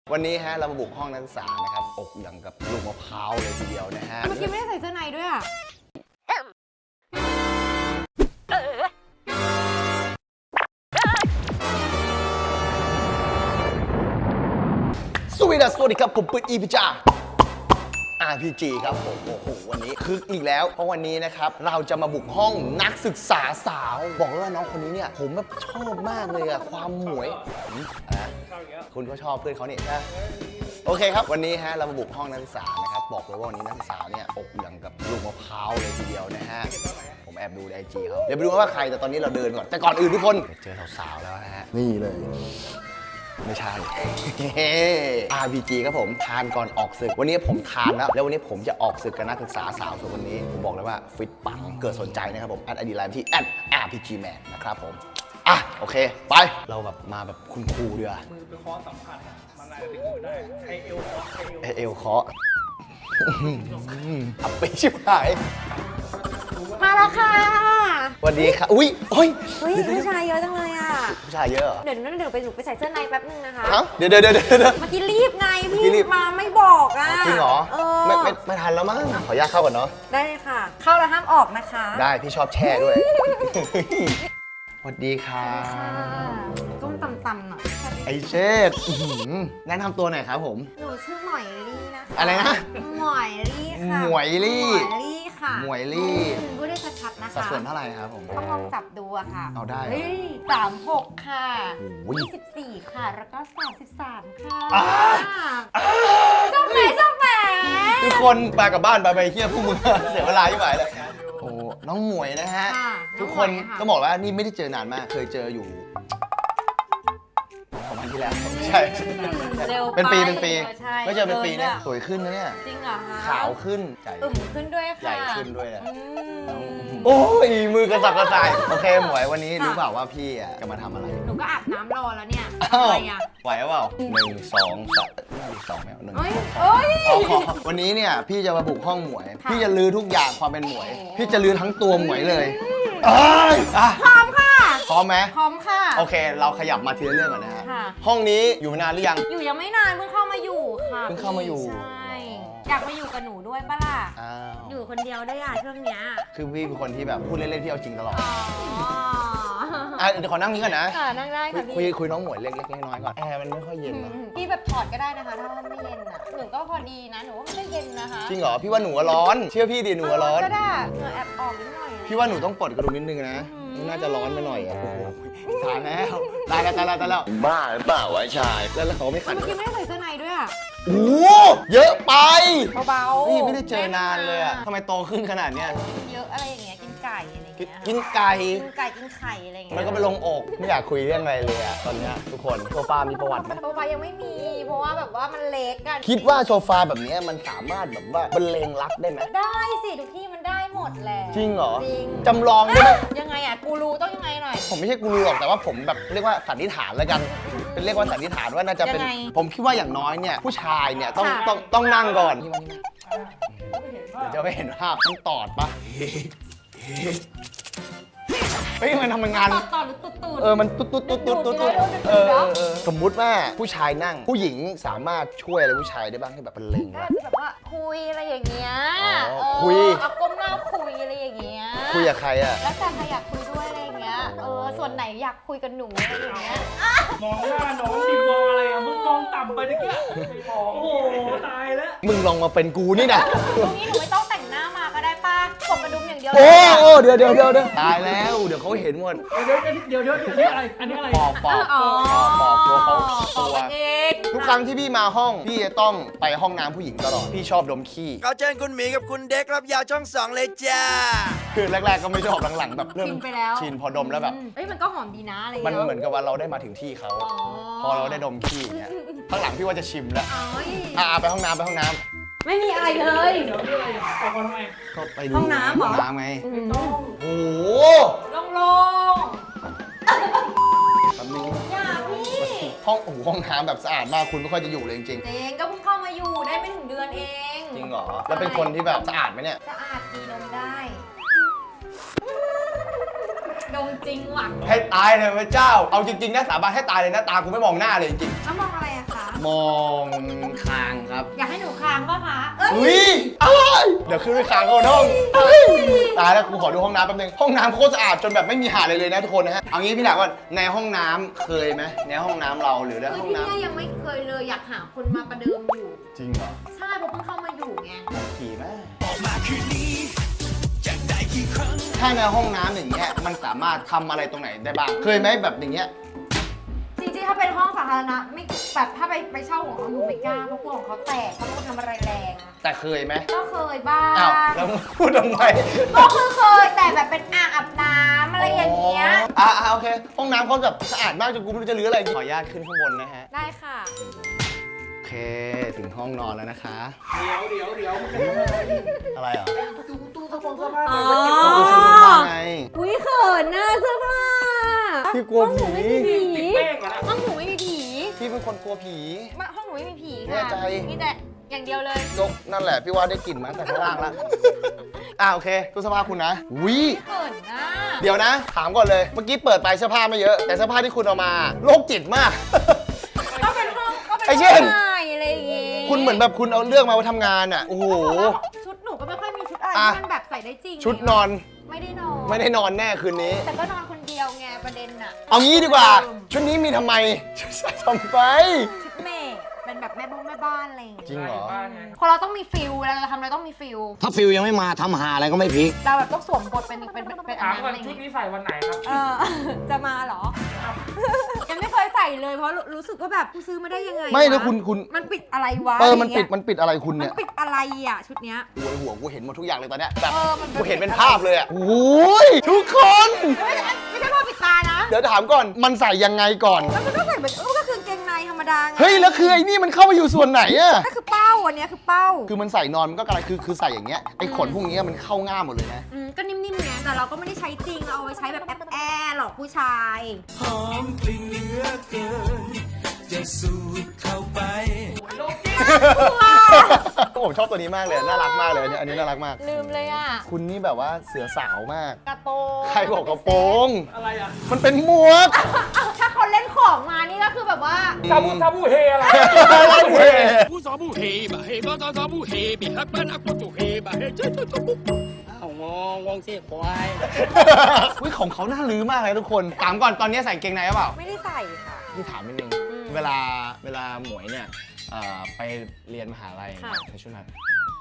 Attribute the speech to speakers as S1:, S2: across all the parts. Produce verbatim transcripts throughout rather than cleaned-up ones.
S1: วันนี้ฮะเรามาบุกห้องนักศึกษานะครับอกอย่างกับลูกมะพร้าวเลยทีเดียวนะฮะ
S2: เมื่อกี้ไม่ได้ใส่เสื้อในด้วยอ่ะ
S1: สวัสดีสวัสดีครับผมปืนอีพิจา อาร์ พี จี ครับผมโอ้โหวันนี้คึกอีกแล้วเพราะวันนี้นะครับเราจะมาบุกห้องนักศึกษาสาวบอกเลยว่าน้องคนนี้เนี่ยผมแบบชอบมากเลยอะความหมวยอะคุณก็ชอบเพื่อนเขาเนี่ยนะโอเคครับวันนี้ฮะเรามาบุกห้องนักศึกษานะครับบอกเลยว่าวันนี้นักศึกษาเนี่ยอกอย่างกับลูกมะพร้าวเลยทีเดียวนะฮะผมแอบดูในไอจีเขาเดี๋ยวไปดูว่าใครแต่ตอนนี้เราเดินก่อนแต่ก่อนอื่นทุกคนเจอสาวๆแล้วนะฮะนี่เลยไม่ใช่ อาร์ พี จี ครับผมทานก่อนออกศึกวันนี้ผมทานแล้วแล้ววันนี้ผมจะออกศึกกับนักศึกษาสาวส่วนวันนี้ผมบอกเลยว่าฟิตปังเกิดสนใจนะครับผมแอดไอดีไลน์ที่แอด อาร์ พี จี แมน นะครับผมอ่ะโอเคไปเราแบบมาแบบคุณครูเดือ
S3: มือไปเคาะสัมผัสมันอะไรไปอยู่ได้ให้เอวเคาะ
S1: ให้เอวเคาะอับไปชิบหาย
S2: มาแล้วค่ะ
S1: สวัสดีค่ะอุ้ยโอ้ย
S2: ผู้ชายเยอะจังเลยอ่ะ
S1: ผู้ชายเยอะ
S2: เดี๋ยวนั่นเดี๋ยวไปหนูไปใส่เสื้อในแป๊บนึงนะคะ
S1: เดี๋ยวเดี๋ยวเดี๋ยวเดี๋ยว
S2: เมื่อกี้รีบไงพี่มาไม่บอกอ่ะ
S1: จริงเหรอไม่ไม่ไม่ทันแล้วมั้งขออนุญาตเข้าก่อนเนาะ
S2: ได้เลยค่ะเข้าแล้วห้ามออกนะคะ
S1: ได้พี่ชอบแช่ด้วยสวัสดีค่ะ
S2: ก้มต่ำๆหน่อย
S1: ไอเชษแนะนำตัวหน่อยครับผม
S2: หนูชื่อหมวยลี่นะคะ
S1: อะไรนะ
S2: หมวยลี่ค่ะ
S1: หมวยลี่
S2: หมวยลี่ค่ะ
S1: หมวยลี่
S2: พูดได้ชัดๆนะคะ
S1: สัดส่วนเท่าไหร่ครับผม
S2: ต้องลองจับดูอะค่ะ
S1: เอาได้
S2: สามหกค่ะยี่สิบสี่ค่ะแล้วก็สามสิบสามค่ะชอบแหมชอบแหม
S1: ทุกคนไปกับบ้านไปไปเที่ยวพวกมึงเสียเวลาที่ไหนเลยโอ้น้องหมวยนะฮะทุกคนก็บอกว่านี่ไม่ได้เจอนานมากเคยเจออยู่ประมาณที่แล้วใช่เป็นปีเป็นปีไม่เจอเป็นปีเนี่ยสวยขึ้นนะเนี่ย
S2: จริงเหรอคะ
S1: ขาวขึ้น
S2: อึมขึ้นด้วยค่ะ
S1: ใหญ่ขึ้นด้วยนะโอ้ยมือกระสับกระส่ายโอเคหมวยวันนี้รู้เปล่าว่าพี่อ่ะจะมาทำอะไร
S2: หนูก็อาบน้ำรอแล้วเนี่ย
S1: อะไรอ่ะไหวเปล่าหนึ่งสองสามสองแมวหนึ่งวันนี้เนี่ยพี่จะมาบุกห้องหมวยพี่จะลื้อทุกอย่างความเป็นหมวยพี่จะลื้อทั้งตัวหมวยเลย
S2: พร้อมค่ะ
S1: พร้อมไหม
S2: พร้อมค่ะ
S1: โอเคเราขยับมาทีละเรื่องก่อนนะฮะห้องนี้อยู่มานานหรือยัง
S2: อยู่ยังไม่นานเพิ่งเข้ามาอยู่ค่ะ
S1: เพิ่งเข้ามาอยู่
S2: ใช่อยากมาอยู่กับหนูด้วยปะล่ะอยู่คนเดียวได้อะช่วงเนี้ย
S1: คือพี่เป็นคนที่แบบพูดเล่นๆพี่เอาจริงตลอดอ่ะเดี๋ยวขอนั่งนี้ก่อนนะ
S2: ค่ะนั่งได้ค่ะ
S1: พี่คุยคุยน้องหมวยเล็กๆน้อยๆก่อนแอร์มันไม่ค่อยเย็นนะ
S2: พี่แบบถอดก็ได้นะคะถ้าไม่เย็นอ่ะหนูก็พอดีนะหนูว่าไม่ได้เย็นนะคะ
S1: จริงเหรอพี่ว่าหนูร้อนเชื่อพี่ดิหนูร้อน
S2: ก็ได้เหงื่อแอบออกนิดหน่อย
S1: พี่ว่าหนูต้องปลดกระดุมนิดนึงนะน่าจะร้อนไปหน่อยอ่ะโอ้โหตายแล้วตายแล้วตายแล้วตายแล้วบ้าหรือเปล่าวะชายแล้วเขาไม่ขัด
S2: เมื่อกี้ไม่ได้ใส่เสื้อในด้วยอ่ะ
S1: โอ้เยอะไป
S2: เบาๆ
S1: นี่ไม่ได้เจอนานเลยอ่ะทำไมโตขึ้นขนาดเนี้ย
S2: เยอะอะไรอย่างเงี้ยกินไก่อะไรเงี้ย
S1: กินไก่
S2: กินไก่กินไข่อะไรเงี้ย
S1: มันก็ไปลงอกไม่อยากคุยเรื่องอะไรเลยอ่ะตอนเนี้ยทุกคนโซฟามีประวัติไหม
S2: โซฟายังไม่มีเพราะว่าแบบว่ามันเล็กกัน
S1: คิดว่าโซฟาแบบนี้มันสามารถแบบว่าบรรเลงรักได้ไหม
S2: ได้สิทุกที่มันได้หมดแหละ
S1: จริงเหรอ
S2: จริง
S1: จำลองได้ไหม
S2: ยังไงอ่ะกูรู้ต้องยังไงหน่อย
S1: ผมไม่ใช่กูรู้หรอกแต่ว่าผมแบบเรียกว่าสันนิษฐานแล้วกันเป็นเรียกว่าสันนิษฐานว่าน่าจะเป็นผมคิดว่าอย่างน้อยเนี่ยผู้ชายเนี่ยต้องต้องต้องนั่งก่อนเดี๋ยวจะไม่เห็นภาพต้องตอดปะเฮ้ยมันทำงาน
S2: ตอดหรือตุ๊ดตุ๊ด
S1: เออมันตุ๊ดตุ๊ดตุ๊ดตุ๊ดตุ๊ดตุ๊ดเออสมมุติว่าผู้ชายนั่งผู้หญิงสามารถช่วยอะไรผู้ชายได้บ้างให้แบบเป็นเล็ง
S2: ก็แบบว่าคุยอะไรอย่างเงี้ย
S1: คุย
S2: เอาก้มหน้าคุยอะไรอย่างเงี้ย
S1: คุยกับใครอะ
S2: แล้วแต่ใครอยากคุยด้วยอะไรอย่างเงี้ยเออส่วนไหนอยากคุยกับหนูอะไรอย่างเงี้ย
S3: มองหน้าน้องดิมองอะไรอ่ะมึงมองต่ำไปตะเกียบโอ้โหตายแล้ว
S1: มึงลองมาเป็นกูนี่นะ
S2: ตรงนี้หนูไม่ต้องแต่งหน้ามาก็ได้ป้ากดกระดุมอย่างเดียว
S1: โอ้โอ้เดี๋ยวเดี๋ยวเดี๋ยวตายแล้วเดี๋ยวเขาเห็นหมด
S3: เดี๋ยวเดี๋ยวเดี๋ยวเดี๋ยวอันนี้อะไรอันนี้อะไร
S1: ปอกปอกปอกตัวเขาตัวทุกครั้งที่พี่มาห้องพี่จะต้องไปห้องน้ำผู้หญิงตลอดพี่ชอบดมขี้
S4: เขาเชิญคุณหมีกับคุณเด็กรับยาวช่องสองเลยจ้า
S1: คือแรกๆก็ไม่ชอบหลังๆแบบเริ่มชินพอดมแล้วแบบ
S2: เอ้ยมันก็หอมดีนะอะไร
S1: มันเหมือนกับว่าเราได้มาถึงที่เขาพอเราได้ดมขี้อย่างเงี้ยข้างหลังพี่ว่าจะชิมแล้วอ่าไปห้องน้ำไปห้องน้ำ
S2: ไม่มีอะไรเลย
S3: เดี๋ยวเดี๋ยวไปก่อนทำไม
S1: ก็ไปดู
S2: ห้องน้ำเหรอ
S1: ห้องน้ำไงโอ้โห
S2: ลงลง
S1: แป๊บนึง
S2: อย่าพี่
S1: ห้องโอ้โหห้องน้ำแบบสะอาดมากคุณไม่ค่อยจะอยู่เลยจริง
S2: ๆเองก็เพิ่งเข้ามาอยู่ได้ไม่ถึงเดือนเอง
S1: จริงเหรอแล้วเป็นคนที่แบบสะอาดไหมเนี่ย
S2: สะอาดดีนมได้ดมจริงว่ะ
S1: ให้ตายเลยพระเจ้าเอาจริงๆนะสาบานให้ตายเลยนะตากูไม่มองหน้าเลยจริง
S2: แล้วมองอะไรอะคะ
S1: มองคางครับ
S2: อยากให้หนูค้างป่ะคะเอ้ย
S1: อุ้ยอะไรเดี๋ยวขึ้นไปคางเขาห้องเฮ้ยตายแล้วกูขอดูห้องน้ำแป๊บนึงห้องน้ำโคตรสะอาดจนแบบไม่มีหาอะไรเลยนะทุกคนนะฮะเอางี้พี่หนักว่าในห้องน้ำเคยไหมในห้องน้ำเราหรือใน
S2: เฮ้ย
S1: ห้อง
S2: พี่
S1: น้ำ
S2: เนี่ยยังไม่เคยเลยอยากหาคนมาประเดิมอยู่
S1: จริงเหรอ
S2: ใช่เพราะเพิ่งเข้ามาอยู่ไง
S1: ผีแม่ถ้าในห้องน้ำอย่างเงี้ยมันสามารถทำอะไรตรงไหนได้บ้างเคยไหมแบบอย่างเงี้ย
S2: จริงๆถ้าเป็นห้องสาธารณะไม่แบบถ้าไปไปเช่าของเขาหนูไม่กล้าเพราะกลัวของเขาแตกเขาต้องทำอะไรแรงอะ
S1: แต่เคยไหม
S2: ก็เคยบ้าง
S1: อ้าวแล้วมึงพูดทำไม
S2: ก็คือเคยแต่แบบเป็นอ่างอาบน้ำอะไรอย่างเงี้ย
S1: อ่าโอเคห้องน้ำเขาแบบสะอาดมากจนกูไม่รู้จะรื้ออะไรขออนุญาตขึ้นข้างบนนะฮะ
S2: ได้ค่ะ
S1: โอเคถึงห้องนอนแล้วนะคะ
S3: เดี๋ยวเดี๋ยวเดี๋ยว
S1: อะไรอ่ะ
S3: ตู้ตู้ตู้เสื้อผ้า
S2: อ๋อ
S1: ดูสิคุณว่าไง
S2: อุ้ยเขินหน้าเสื้อผ้า
S1: พี่กลัวผี
S2: ห้องหนูไม่มีผี
S3: ติดแป้งเหรอนะ
S2: ห้องหนูไม่มีผี
S1: พี่เป็นคนกลัวผี
S2: มาห้องหนูไม่มีผี
S1: แน่
S2: ค่ะ
S1: ใจ
S2: มีแต่อย่างเดียวเลย
S1: ก็นั่นแหละพี่ว่าได้กลิ่นมาตั้งแต่ข้างล่างแล้ว อ่าโอเคตู้เสื้อผ้าคุณนะวิ
S2: เขินหน้า
S1: เดี๋ยวนะ ถามก่อนเลย เมื่อกี้เปิดไปเสื้อผ้าไม่เยอะ แต่เสื้อผ้าที่คุณเอามาโรคจิตมาก
S2: ก็เป็นห้องก็เป็น
S1: ไอ้เช่น
S2: ห้องใหม่อะไรอย่างงี้
S1: คุณเหมือนแบบคุณเอาเลือกมาไว้ทำงานอ่ะ โอ้โห
S2: ชุดหนูก็ไม่ค่อยมีชุดอะไร
S1: อ่ะ
S2: ที่มันแบบใส่ได้จริง
S1: ชุดนอน
S2: ไม่ได้นอน
S1: ไม่ได้นอนแน่คืนนี้
S2: แต่ก็นอนคนเดียวไงประเด็นน่ะ
S1: เอางี้ดีกว่า ชุดนี้มีทำไมใส่ทำไป
S2: ชุดเมย์เป็นแบบแม่บ้านแม่บ้านอะไรอย่าง
S1: จริ
S2: เงี้ย
S1: งเหรอ
S3: บ้านไง
S2: คนเราต้องมีฟิลเวลาเราทำอะไรต้องมีฟิล
S5: ถ้าฟิลยังไม่มาทำหาอะไรก็ไม่พลิก
S2: เราแบบต้องสวมบทเป็นเป็นเป็นเป็นอั
S3: ถาน ม
S2: นั้น
S3: ก่อ
S2: อะ
S3: น
S2: ไรอย่าง
S3: ชุด
S2: เงี้ย
S3: นี้ใส่วันไหนครับ
S2: เออ จะมาเหรอ ยังไม่เคยใส่เลยเพราะรู้รู้สึกว่าแบบกูซื้อมาได้ยังไง
S1: ไม่แล้ว
S2: วะ
S1: คุณคุณ
S2: มันปิดอะไรวะ
S1: เออมันปิด
S2: ะไร
S1: มันปิดอะไรคุณ
S2: เงี้ย
S1: เนี่ย
S2: มันปิดอะไรอ่ะชุดเนี้ย
S1: หัวหัวกูเห็นหมดทุกอย่างเลยตอนเนี้ยแบบ
S2: เออมัน
S1: กูเห็นเป็นภาพเลยอ่ะโอ้ยทุกคน
S2: ไม่ใช่ไม่ใช่ผ้าปิดตานะ
S1: เดี๋ยวถามก่อนมันใส่ยังไงก่อน
S2: แล้วมันก็ใส่แบบเออก็คือกางเกงในธรรมดาไง
S1: เฮ้ยแล้วคือไอ้นี่มันเข้ามาอยู่ส่วนไหนอะ
S2: ก็คือเป้าอันเนี้ยคือเป้า
S1: คือมันใส่นอนมันก็กระไรคือคือใส่อย่างเงี้ยไอ้ขนพวกเนี้ยมันเข้าง่ามหมดเลยนะ
S2: อืมก็นิ่มๆไงแต่เราก็ไม่ได้ใช้จริงเราเอาไว้ใช้แบบแอบแอหลอกผู้ชาย
S4: หอมกลิ่นเหลือเกิน จะสูดเข้าไป
S1: ผมชอบตัวนี้มากเลยน่ารักมากเลยอันนี้อันนี้น่ารักมาก
S2: ลืมเลยอ่ะ
S1: คุณนี่แบบว่าเสือสาวมาก
S2: กระโปรง
S1: ใครบอกกระโปรง
S3: อะไรอ่ะ
S1: มันเป็นหมวก
S2: อ้าวถ้าเขาเล่นของมานี่ก็คือแบบว่า
S3: ซาบูซาบูเฮอะไร
S1: เว้ย
S5: ผู้สอผู้เฮบะเฮบะตอสอผู้เฮบิฮักบ้านอักปุตุเฮบะเฮเจ้าตุ๊ตุ๊ปุ๊บอ้าวงงงงเสียควาย
S1: อุ้ยของเขาน่าลื้อมากเลยทุกคนถามก่อนตอนนี้ใส่เกงในหรือเปล่า
S2: ไม่ได้ใส่ค่ะ
S1: พี่ถามนิดนึง
S2: อืม
S1: เวลาเวลาหมวยเนี่ยเอ่อไปเรียนมหาลัย
S2: ค่ะ
S1: ในช่วงนั้น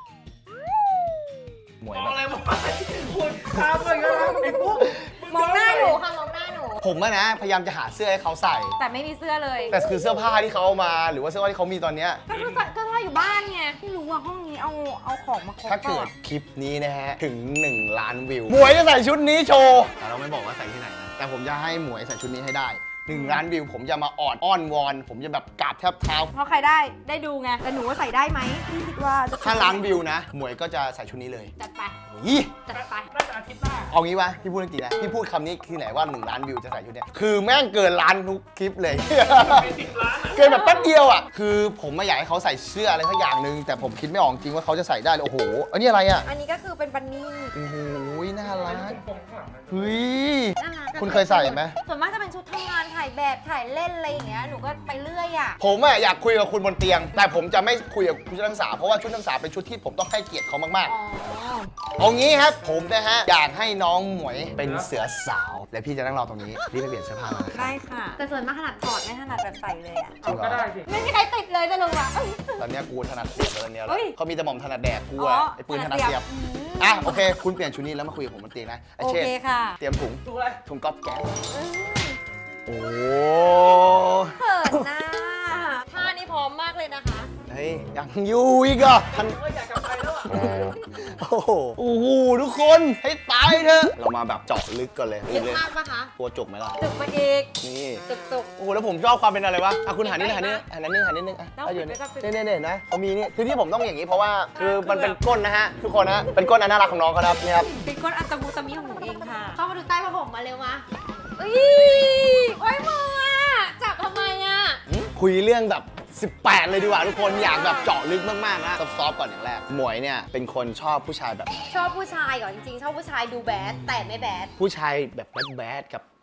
S1: หมวย
S3: มอง
S1: แบ
S3: อะไร
S1: บ
S3: มองอะไรคุณตามเลยนะไอ้พวก
S2: มองหน้าหนูค่ะมองหน้าหนู
S1: ผมอะนะพยายามจะหาเสื้อให้เขาใส่
S2: แต่ไม่มีเสื้อเลย
S1: แต่คือเสื้อผ้าที่เขาเอามาหรือว่าเสื้อผ้าที่เขามีตอนเนี้ย
S2: ก็คือใส่ก็ใส่อยู่บ้านไงไม่รู้ว่าห้องนี้เอาเอาของมาครบ
S1: ถ้าเกิ
S2: ก่อ
S1: ด
S2: น
S1: คลิปนี้นะฮะ ถึง หนึ่ง ล้านวิว หมวยจะใส่ชุดนี้โชว์แต่เราไม่บอกว่าใส่ที่ไหนนะ แต่ผมจะให้หมวยใส่ชุดนี้ให้ได้ หนึ่ง ล้านวิว ผมจะมาออดอ้อนวอน ผมจะแบบกราบแทบเท้า
S2: เพราะใครได้ได้ดูไงแต่หนูว่าใส่ได้ไหมพี่คิดว่าจะ
S1: ถ้าล้านวิวนะ หมวยก็จะใส่ชุดนี้เลย
S2: จัดไป
S1: ยี่
S2: จัดไป
S3: น่าจะอาทิตย์หน้า
S1: เอางี้วะพี่พูดจริงๆนะพี่พูดคำนี้ที่ไหนว่า หนึ่ง ล้านวิวจะใส่ชุดเนี้ยคือแม่งเกินล้านทุกคลิปเลย
S3: เป็นสิบล้านอ่ะ
S1: เกินแบบแป๊บเดียวอ่ะ คือผมไม่อยากให้เขาใส่เสื้ออะไรสักอย่างหนึ่งแต่ผมคิดไม่ออกจริงว่าเขาจะใส่ได้เลยโอ้โห อันนี้อะไรอ่ะ
S2: อันนี้ก็คือเป็นบันนี่
S1: โอ้โห น่ารัก
S3: ผมข้างหลังนะ
S1: เฮ้ย
S2: น่ารักอะ
S1: คุณเคยใส่ไหม
S2: ส่วนมากจะเป็นชุดทำงานถ่ายแบบถ่ายเล่นอะไรอย่างเงี้ยหนูก็ไปเรื่อยอ่ะ
S1: ผมอะอยากคุยกับคุณบนเตียง แต่ผมจะไม่คุยกับคุณชุดนักศึกษาเพราะว่าชุดนักศึกษาเป็นชุดที่ผมต้องให้เกียรติเขามาก
S2: อ๋อ
S1: ๆ เอางี้ครับ ผมนะฮะ อยากให้น้องหมวยเป็นเสือสาว และพี่จะนั่งรอตรงนี้รีบไปเปลี่ยนเสื้อผ้ามานะครับ
S2: ได้ค่ะ แต่ส่วนมากขนาดถอดไม่ถนัดแบบใส่เลยอ่ะ
S1: จริงเหร
S3: ก็
S1: อ
S3: ได้สิ
S2: ไม่มีใครติดเลยจะรู้อ่ะ
S1: ตอนเนี้ยกูถนัดเสียบแล้วตอนเนี้ย
S2: เฮ้ย
S1: เขามีแต่หม่อมถนัดแดกกู
S2: อ๋
S1: อะ
S2: อ
S1: ไอ้ปืนถนัดเสียบ
S2: อืม
S1: อ่ะโอเค คุณเปลี่ยนชุดนี้แล้วมาคุยกับผมบนเตียงนะไอ้
S2: โอ
S1: เช่
S2: เคค่ะ
S1: เตรียมถุง
S3: ดูอะไร
S1: ถุงก๊อบแก๊ส
S2: อืม
S1: โอ้
S2: เขินนะท่านี้พร้อมมากเลยนะคะ
S1: เฮ้ยยังอยู่อีกเหรอ่ะท่าน
S3: เอออยากกลับไปแล้วอ่ะ
S1: โอ้โหโอ้โหทุกคนให้ตายเถอะเรามาแบบเจาะลึกก่อนเลย
S2: เยอะ
S1: เลย
S2: มากปะคะ
S1: กลัวจุกไหมล่ะ
S2: จุกมาอีก
S1: นี่
S2: จุกจุก
S1: โอ้โหแล้วผมชอบความเป็นอะไรวะอ่ะคุณหันนิดหันนิดหันนิดนึงหันนิดนึงอ่ะ
S2: แล้ว
S1: เอาอยู่
S2: ปิ
S1: เนี่
S2: ดไว้ก่อนปิด
S1: ยเนี่ยเนี่ยเนี่ยนะเขามีนี่คือที่ผมต้องอย่างนี้เพราะว่าคือมันเป็นก้นนะฮะทุกคนนะ เป็นก้นอันน่ารักของน้องเขาครับเนี่ยครับ
S2: เป็นก้นอัตมูตะมิของหนูเองค่ะ เข้ามาดูใต้ผ้าห่มมาเร็วมาอุ้ยโอ้ยมืออะจับทำไมอ่ะ
S1: คุยเรื่องแบบ สิบแปด เลยดีกว่าทุกคนอยากแบบเจาะลึกมากๆนะซอฟๆก่อนอย่างแรกหมวยเนี่ยเป็นคนชอบผู้ชายแบบไหน
S2: ชอบผู้ชายก่อนจริงๆ ชอบผู้ชายดูแบดแต่ไม่แบด
S1: ผู้ชายแบบแบดๆกับ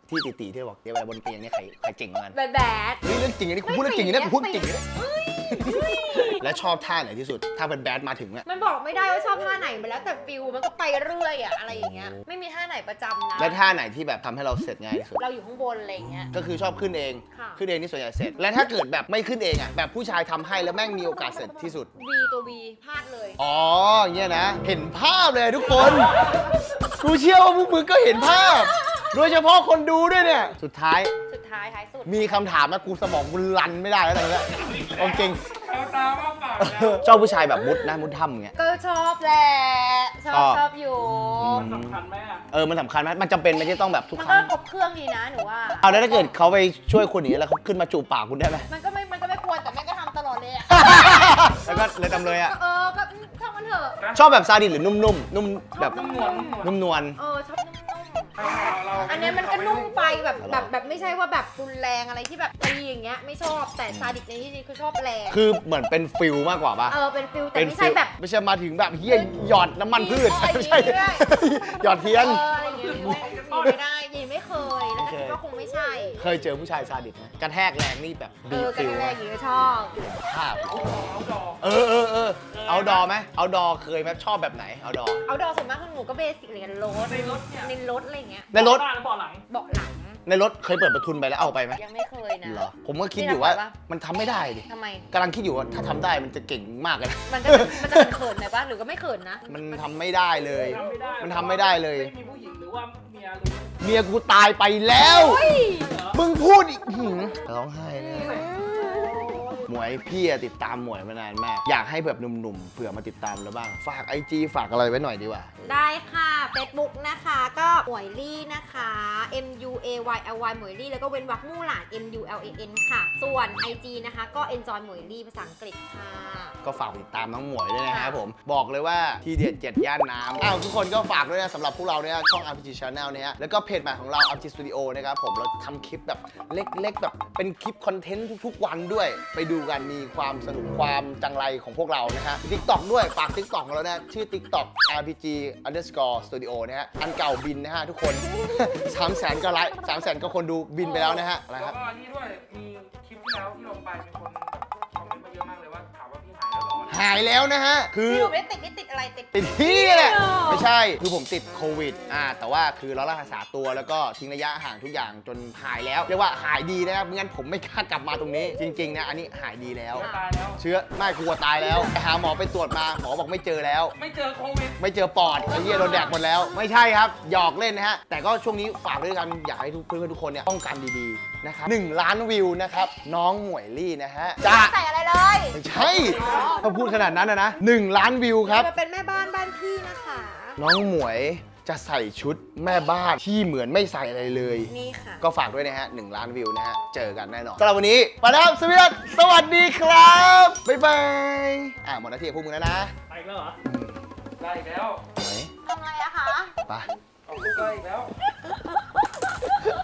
S1: ที่ตีๆที่บอกเดี๋ยวเวลาบนเตียงเนี่ยใครใครเจ๋งกว่ากัน
S2: แบดแบด
S1: เฮ้ยเรื่องจริงอันนี้กูพูดเรื่องจริงอันนี้กูพูดจริงอันนี้
S2: เฮ้ยเฮ้ย
S1: และชอบท่าไหนที่สุดถ้าเป็นแบดมาถึงอะ
S2: มันบอกไม่ได้ว่าชอบท่าไหนไปแล้วแต่ฟิลมันก็ไปเรื่อยอะอะไรอย่างเงี้ยไม่มีท่าไหนประจำนะ
S1: และท่าไหนที่แบบทำให้เราเสร็จง่ายที่สุด
S2: เราอยู่ข้างบนอะไรอย่างเงี้ย
S1: ก็คือชอบขึ้นเอง
S2: ค่ะ
S1: ขึ้นเองนี่ส่วนใหญ่เสร็จ และถ้าเกิดแบบไม่ขึ้นเองอะแบบผู้ชายทำให้แล้วแม่งมีโอกาสเสร็จที่สุด
S2: วีตัววีพลาดเลย
S1: อ๋ออย่างเงี้ยนะ เห็นภาพเลยทุกคน กูเชื่อว่าพวกมึงก็เห็นภาพ โดยเฉพาะคนดูด้วยเนี่ย สุดท้าย
S2: สุดท้ายท้ายสุด
S1: มีคำถามนะกูสมองกูรันไม่ได้แล้วตอนนี้เอาจริง
S3: เอาตามาปากแล้ว
S1: ชอบผู้ชายแบบมุดนะมุดถ้ำอย่างเงี้ย
S2: ก็ชอบแหละชอบ
S1: ชอบ
S2: ชอบอยู่
S3: สำคัญไหมอ่ะ
S1: เออมันสำคัญไหมมันจำเป็นไหมที่ต้องแบบทุก
S2: มัน
S1: ค
S2: ก็
S1: รั้ง
S2: ครบเครื่องดีนะหนูว่า
S1: เอาแล้วถ้าเกิดเขาไปช่วยคนอย่างนี้ยแล้วเขาขึ้นมาจูบปากคุณได้ไหม
S2: มันก็ไม่มันก็ไม่ควรแต่แม่ก็ทำตลอดเลยอะ
S1: แล้วก็เลยจำเลยอะ
S2: เออก็ทำมันเถอะ
S1: ชอบแบบซาดิสหรือนุ่มๆนุ่มแบบ
S3: นุ่มนวลนุ่มนวล
S1: นุ่มนวล
S2: เออชอบนุ่ม
S3: เรา
S2: ๆอันเนี้ยมันก็นุ่มไปแบบแบบแบบไม่ใช่ว่าแบบรุนแรงอะไรที่แบบตีอย่างเงี้ยไม่ชอบแต่ซาดิสในที่นี้คือชอบแรง
S1: คือเหมือนเป็นฟิลมากกว่าปะ
S2: เออเป็นฟิลแต่
S1: เป็น
S2: ไม่
S1: ฟิ
S2: ใช่
S1: ล
S2: แบบ
S1: ไม่ใช่มาถึงแบบเฮียหยอดน้ำมันพืช
S2: เออ
S1: ไม่ใช่
S2: ยิงด้วย
S1: หยอดเทียน
S2: เอออะไรอย่างเงี้ยไม่ไม่ได้ยินไม่เคยแล้วก็คิดว่าคงไม่ใช่
S1: เคยเจอผู้ชายซาดิสไหมกระแทกแรงนี่แบบ
S2: เอ
S1: บี
S2: อบ กั
S1: ฟิ
S2: น
S1: ล
S2: แรกอย่างเงี้ยชอบ
S1: ภาพ
S3: เอาดอก
S1: เออเออเออเอาดอไหมเอาดอเคยไหมชอบแบบไหนเอาดอ
S2: เอาดอกส่วนมากของหนูก็เบสิกเลยกันรถ
S3: ในรถเนี่ย
S2: ในรถอะไรอย่างเงี้ย
S1: ในรถ
S3: หน้าหรือเบาะหลัง
S2: เบาะหลัง
S1: ในรถเคยเปิดประทุนไปแล้วเอาไปไหม
S2: ยังไม่เคยนะ
S1: เหรอผมก็คิดอยู่ว่า
S2: ไม่ได้ปะ
S1: มันทำไม่ได้ดิ
S2: ทำไม
S1: กำลังคิดอยู่ว่าถ้าทำได้มันจะเก่งมากเลยนะ
S2: มันจะมันจะเขินๆหน่อยปะหรือก็ไม่เขินนะ
S1: มันทำไม่ได้เลย
S3: ทำไม่ได้
S1: มันทำไม่ได้เลย
S3: ไม่มีผู้หญิงหรือว่าเมียหรือ
S1: เมียกูตายไปแล้ว
S2: เฮ้ย
S1: มึงพูดอีกหืมร้องไห้เลยหมวยพี่อะติดตามหมวยมานานมาก อยากให้แบบหนุ่มๆเผื่อมาติดตามแล้วบ้าง ฝากไอจีฝากอะไรไว้หน่อยดีกว่า
S2: ได้ค่ะ Facebook นะคะก็หมวยลี่นะคะ M U A Y L Y หมวยลี่แล้วก็เว้นวรรคมู่หลาน M U L A N ค่ะ ส่วน ไอ จี นะคะก็ enjoy หมวยลี่ภาษาอังกฤษค่ะ
S1: ก็ฝากติดตามน้องหมวยด้วยนะครับผม บอกเลยว่าทีเด็ดเจ็ดย่านน้ำอ้าวทุกคนก็ฝากด้วยนะสำหรับพวกเราเนี่ยช่อง อาร์ พี จี Channel เนี่ยแล้วก็เพจใหม่ของเรา อาร์ พี จี Studio นะครับผมเราทำคลิปแบบเล็กๆ แบบเป็นคลิปคอนเทนต์ทุกๆ วันด้วย ไปดูกันมีความสนุกความจังไรของพวกเรานะฮะ TikTok ด้วยฝาก TikTok ของเรานะชื่อ TikTok อาร์ พี จี underscore studio นะฮะอันเก่าบินนะฮะทุกคน สามแสนก็ไลค์สามแสนก็คนดูบินไปแล้วนะฮะอะไร
S3: แล้
S1: คว รับ
S3: ก็นี่ด้วยมีคลิปที่แล้วที่ลงไปมีคนคอมเมนต์มาเยอะมากเลยว่าถามว่าพี่หายแล้วเหรอ
S1: หายแล้วนะฮะคือ
S2: ที่หนูไม่ได้ติดนี่ติดอะไรติด
S1: ติดที่แหละ
S2: เที่ยว
S1: ไม่ใช่ คือผมติดโควิด อ่า แต่ว่าคือเรารักษาตัวแล้วก็ทิ้งระยะห่างทุกอย่างจนหายแล้ว เรียกว่าหายดีนะครับไม่งั้นผมไม่กล้ากลับมาตรงนี้ จริง ๆ นะ อันนี้หายดีแล้ว
S3: ตายแล้ว
S1: เชื้อไม่กลัวตายแล้วไปหาหมอไปตรวจมา หมอบอกไม่เจอแล้ว
S3: ไม่เจอโควิด
S1: ไม่เจอปอดไอ้เหี้ยโดนแดกหมดแล้ว ไม่ใช่ครับ หยอกเล่นนะฮะ แต่ก็ช่วงนี้ฝากด้วยกัน อยากให้ทุกเพื่อนๆทุกคนเนี่ยป้องกันดีๆ นะครับหนึ่งล้านวิวนะครับ น้องหมวยลี่นะฮะจะ
S2: ใส่อะไรเลย
S1: ไม่ใช่ถ้าพูดขนาดนั้นนะนะหนึ่งล้านวิวครับ
S2: มาเป็นแม่บ้านบ้านพี่นะคะ
S1: น้องหมวยจะใส่ชุดแม่บ้านที่เหมือนไม่ใส่อะไรเลย
S2: นี่ค่ะ
S1: ก็ฝากด้วยนะฮะหนึ่งล้านวิวนะฮะ เจอกันแน่นอนสำหรับวันนี้ไปแล้วครับสวีดัสสวัสดีครับ บ๊ายบาย อ่ะหมดหน้าที่ของพวกมึงแล้วนะ
S3: ไปอีกแล้วเหรอได้อีกแล้ว
S1: ไหน
S2: ทำไงอะคะ
S1: ไป
S3: เอาลูกก็อีกแล้ว